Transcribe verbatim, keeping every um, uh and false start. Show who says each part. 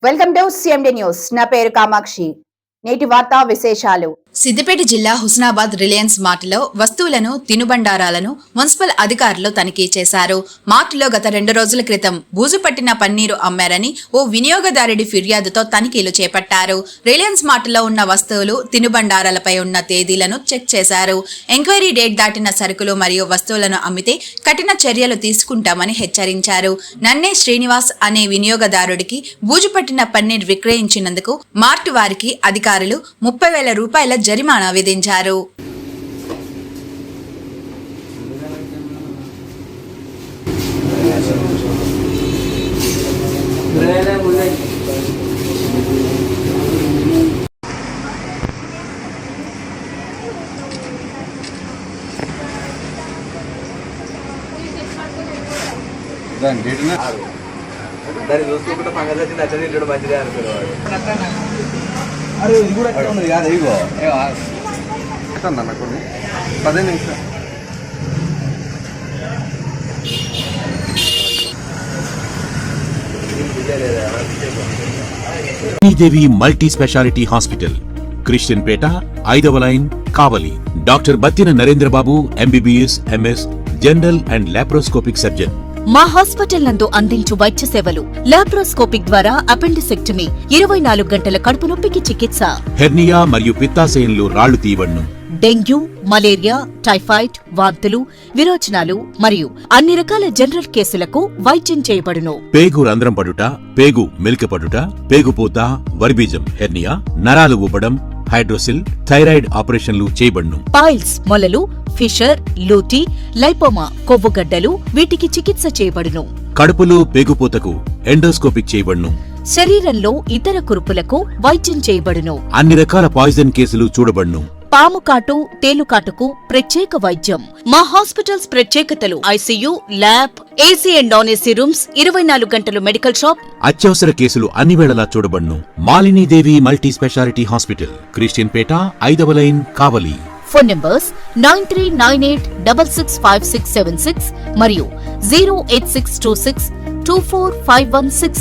Speaker 1: Welcome to CMD news. నా పేరు కామాక్షి. నేటి వార్తా విశేషాలు.
Speaker 2: సిద్దిపేట జిల్లా హుస్నాబాద్ రిలయన్స్ మార్టులో వస్తువులను తినుబండారాలను మున్సిపల్ అధికారులు తనిఖీ చేశారు. మార్టులో గత రెండు రోజుల క్రితం బూజు పట్టిన పన్నీరు అమ్మారని ఓ వినియోగదారుడి ఫిర్యాదుతో తనిఖీలు చేపట్టారు. రిలయన్స్ మార్టులో ఉన్న వస్తువులు తినుబండారాలపై ఉన్న తేదీలను చెక్ చేశారు. ఎంక్వైరీ డేట్ దాటిన సరుకులు మరియు వస్తువులను అమ్మితే కఠిన చర్యలు తీసుకుంటామని హెచ్చరించారు. నన్నే శ్రీనివాస్ అనే వినియోగదారుడికి బూజు పట్టిన పన్నీర్ విక్రయించినందుకు మార్టు వారికి అధికారులు ముప్పై వేల రూపాయల జరిమానా విధించారు.
Speaker 3: దాన్ని చూసుకుంటే పంగ వచ్చి నచ్చని మంచిదే అనుకునేవాడు.
Speaker 4: అరే ఇది కూడా ఎక్కడ ఉన్నది కాదు ఇగో అన్న కొన్ని పదిహేను నిమిషం
Speaker 5: Devi multi speciality hospital, Christian Peta, ఐదవ line, Kavali. Doctor Battina Narendrababu, MBBS, MS, general and laparoscopic surgeon.
Speaker 6: మా హాస్పిటల్ నందు అందించు వైద్య సేవలు: లాప్రోస్కోపిక్ ద్వారా అపెండిసెక్టమీ, ఇరవై నాలుగు గంటల కడుపు నొప్పికి చికిత్స,
Speaker 5: హెర్నియా మరియు పిత్తాశయంలో రాళ్లు తీయబడును,
Speaker 6: డెంగ్యూ, మలేరియా, టైఫాయిడ్, వాంతులు, విరోచనాలు మరియు అన్ని రకాల జనరల్ కేసులకు వైద్యం చేయబడును.
Speaker 5: పేగు రంధ్రం పడుట, పేగు మెలికపడుట, పేగుపూత, వర్బీజం, హెర్నియా, నరాలు ఊపడం, హైడ్రోసిల్, థైరాయిడ్ ఆపరేషన్లు చేయబడును.
Speaker 6: పైల్స్, మొలలు, ఫిషర్, లూటీ, లైపోమా, కొవ్వుగడ్డలు వీటికి చికిత్స చేయబడును.
Speaker 5: కడుపులో పేగుపూతకు ఎండోస్కోపిక్ చేయబడును.
Speaker 6: శరీరంలో ఇతర కురుపులకు వైద్యం చేయబడును.
Speaker 5: అన్ని రకాల పాయిజన్ కేసులు చూడబడును.
Speaker 6: పాము కాటు, తేలుకాటుకు ప్రత్యేక వైద్యం. మా హాస్పిటల్స్ ప్రత్యేకతలు: ICU, lab, AC and non AC rooms, ఇరవై నాలుగు గంటలు మెడికల్ షాప్.
Speaker 5: అత్యవసర కేసులు అన్ని వేళలా చూడబడును. Malinidevi multi speciality hospital, Christian Peta, ఐదవ line, Kavali.
Speaker 6: Phone numbers nine three nine eight double six five six seven six మరియు zero eight six two six two four five one six.